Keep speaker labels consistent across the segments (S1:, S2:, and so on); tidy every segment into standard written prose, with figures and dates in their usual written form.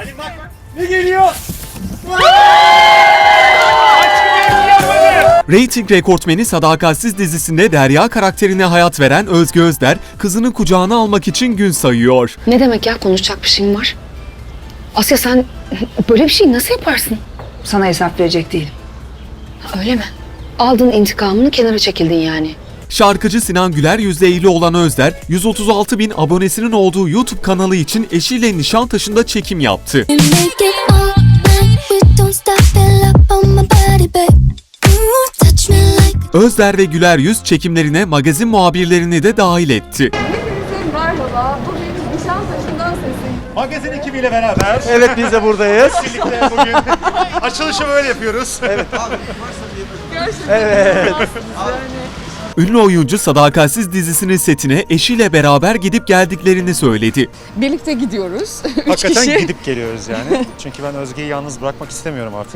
S1: Hadi bak. Ne geliyor?
S2: Rating rekortmeni Sadakatsiz dizisinde Derya karakterine hayat veren Özge Özder, kızını kucağına almak için gün sayıyor.
S3: Ne demek ya, konuşacak bir şeyim var? Asya sen böyle bir şey nasıl yaparsın?
S4: Sana hesap verecek değilim.
S3: Öyle mi? Aldın intikamını, kenara çekildin yani.
S2: Şarkıcı Sinan Güler yüzle evli olan Özder, 136 bin abonesinin olduğu YouTube kanalı için eşiyle Nişantaşı'nda çekim yaptı. Özder ve Güler yüz çekimlerine magazin muhabirlerini de dahil etti.
S5: Hepinize merhaba. Bugün Nişantaşı'ndan sesim.
S1: Magazin ekibiyle beraber.
S6: Evet, biz de buradayız.
S1: Birlikte bugün açılışı böyle yapıyoruz. Evet.
S5: Gerçekten
S6: Evet.
S2: Ünlü oyuncu Sadakatsiz dizisinin setine eşiyle beraber gidip geldiklerini söyledi.
S5: birlikte gidiyoruz. Üç
S6: Hakikaten
S5: kişi.
S6: gidip geliyoruz yani. Çünkü ben Özge'yi yalnız bırakmak istemiyorum artık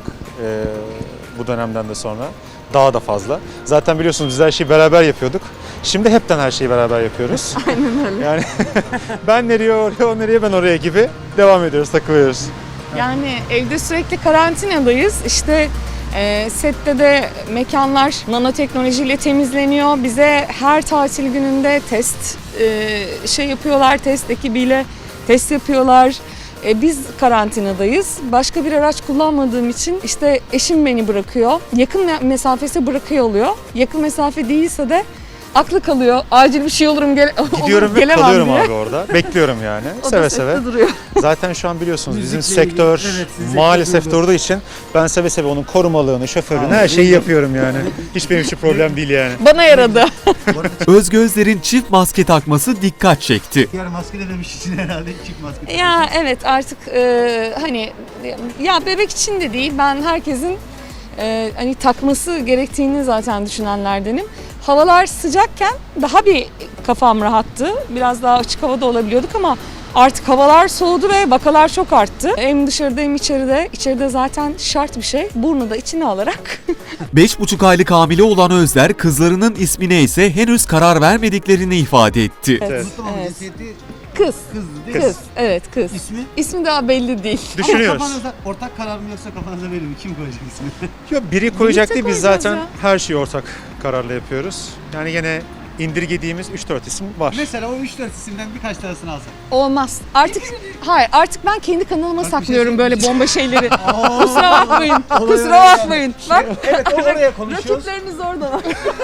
S6: bu dönemden de sonra. Daha da fazla. Zaten biliyorsunuz biz her şeyi beraber yapıyorduk. Şimdi hepten her şeyi beraber yapıyoruz.
S5: Aynen öyle.
S6: Yani ben nereye oraya, o nereye ben oraya gibi devam ediyoruz, takılıyoruz.
S5: Yani evde sürekli karantinadayız. İşte sette de mekanlar nanoteknolojiyle temizleniyor. Bize her tatil gününde test yapıyorlar, test ekibiyle test yapıyorlar. Biz karantinadayız. Başka bir araç kullanmadığım için işte eşim beni bırakıyor. Yakın mesafesi bırakıyor oluyor. Yakın mesafe değilse de aklı kalıyor. Acil bir şey olurum
S6: Gidiyorum ve
S5: gelemem
S6: kalıyorum
S5: diye.
S6: abi orada. Bekliyorum yani.
S5: O da
S6: Seve
S5: sette
S6: seve.
S5: duruyor.
S6: Zaten şu an biliyorsunuz bizim
S1: Müzikle ilgili,
S6: sektör
S1: evet, sizin
S6: maalesef
S1: sektör
S6: durduğu için ben seve seve onun korumalığını, şoförlüğünü her şeyi yapıyorum yani. Hiç benim için problem değil yani.
S5: Bana yaradı.
S2: Özge Özder'in çift maske takması dikkat çekti.
S1: Yani maske dememiş için herhalde çift maske.
S5: Ya evet artık hani ya bebek için de değil, ben herkesin hani takması gerektiğini zaten düşünenlerdenim. Havalar sıcakken daha bir kafam rahattı. Biraz daha açık havada olabiliyorduk ama artık havalar soğudu ve vakalar çok arttı. Hem dışarıda hem içeride. İçeride zaten şart bir şey. Burnu da içine alarak.
S2: 5,5 aylık hamile olan Özder, kızlarının ismine ise henüz karar vermediklerini ifade etti.
S5: Evet.
S1: Tamam, cinsiyeti
S5: Kız.
S1: kız değil mi?
S5: Kız. Evet kız.
S1: İsmi?
S5: İsmi daha belli değil.
S6: Düşünüyoruz.
S1: Kafanızda ortak karar mı yoksa kafanıza verir mi? Kim koyacak ismini?
S6: Yok, biri koyacak değil, biz
S5: koyacağız
S6: zaten
S5: ya.
S6: her şeyi ortak kararla yapıyoruz. Yani yine indirgediğimiz 3-4 isim var.
S1: Mesela o 3-4 isimden birkaç tanesini alsak.
S5: Olmaz. Artık ben kendi kanalıma
S1: şey
S5: saklıyorum böyle bomba şeyleri. Kusura bakmayın. Kusura bakmayın. Bak.
S1: Evet, oraya konuşuyoruz.
S5: Rakipleriniz orada.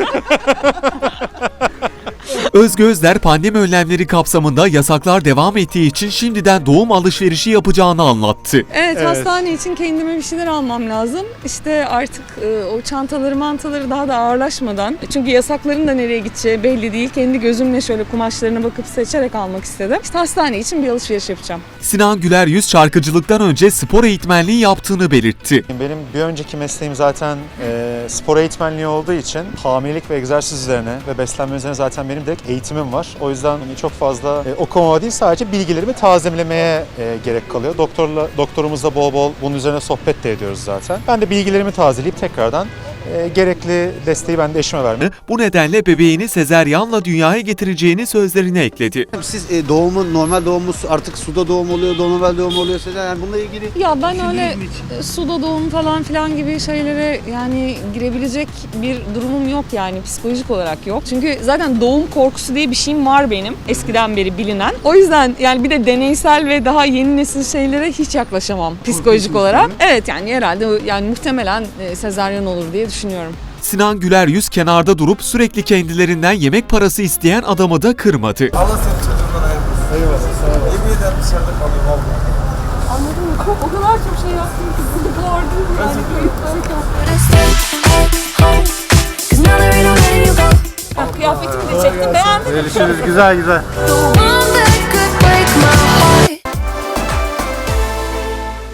S2: Özge Özder pandemi önlemleri kapsamında yasaklar devam ettiği için şimdiden doğum alışverişi yapacağını anlattı.
S5: Evet, hastane için kendime bir şeyler almam lazım. İşte artık o mantaları daha da ağırlaşmadan. Çünkü yasakların da nereye gideceği belli değil. Kendi gözümle şöyle kumaşlarına bakıp seçerek almak istedim. İşte hastane için bir alışveriş yapacağım.
S2: Sinan Güler yüz şarkıcılıktan önce spor eğitmenliği yaptığını belirtti.
S6: Benim bir önceki mesleğim zaten spor eğitmenliği olduğu için hamilelik ve egzersiz üzerine ve beslenme üzerine zaten benim de eğitimim var. O yüzden çok fazla okumama değil, sadece bilgilerimi tazelemeye gerek kalıyor. Doktorumuzla bol bol bunun üzerine sohbet de ediyoruz zaten. Ben de bilgilerimi tazeleyip tekrardan gerekli desteği ben de eşime vermem.
S2: Bu nedenle bebeğini sezeryanla dünyaya getireceğini sözlerine ekledi.
S7: Siz doğumu, normal doğumu artık suda doğum oluyor, normal doğum oluyor. Yani bununla ilgili
S5: Ya ben öyle
S1: Düşündünüz mü hiç?
S5: suda doğum falan filan gibi şeylere yani girebilecek bir durumum yok yani, psikolojik olarak yok. Çünkü zaten doğum korkusu diye bir şeyim var benim, eskiden beri bilinen. O yüzden yani bir de deneysel ve daha yeni nesil şeylere hiç yaklaşamam psikolojik olarak. Evet yani herhalde yani muhtemelen sezaryen olur diye düşünüyorum.
S2: Sinan Güler yüz kenarda durup sürekli kendilerinden yemek parası isteyen adamı da kırmadı.
S7: Allah seni çocuğundan ayırmasın. Eyvallah, sağ ol. Yemin ederim dışarıda kalayım abla.
S5: Anladın mı? O kadar çok şey yaptım ki bunu gördüm yani kayıtlarken. Bak kıyafetimi de çektim, beğendin mi?
S7: Görüşürüz, güzel güzel.
S8: The one that could break my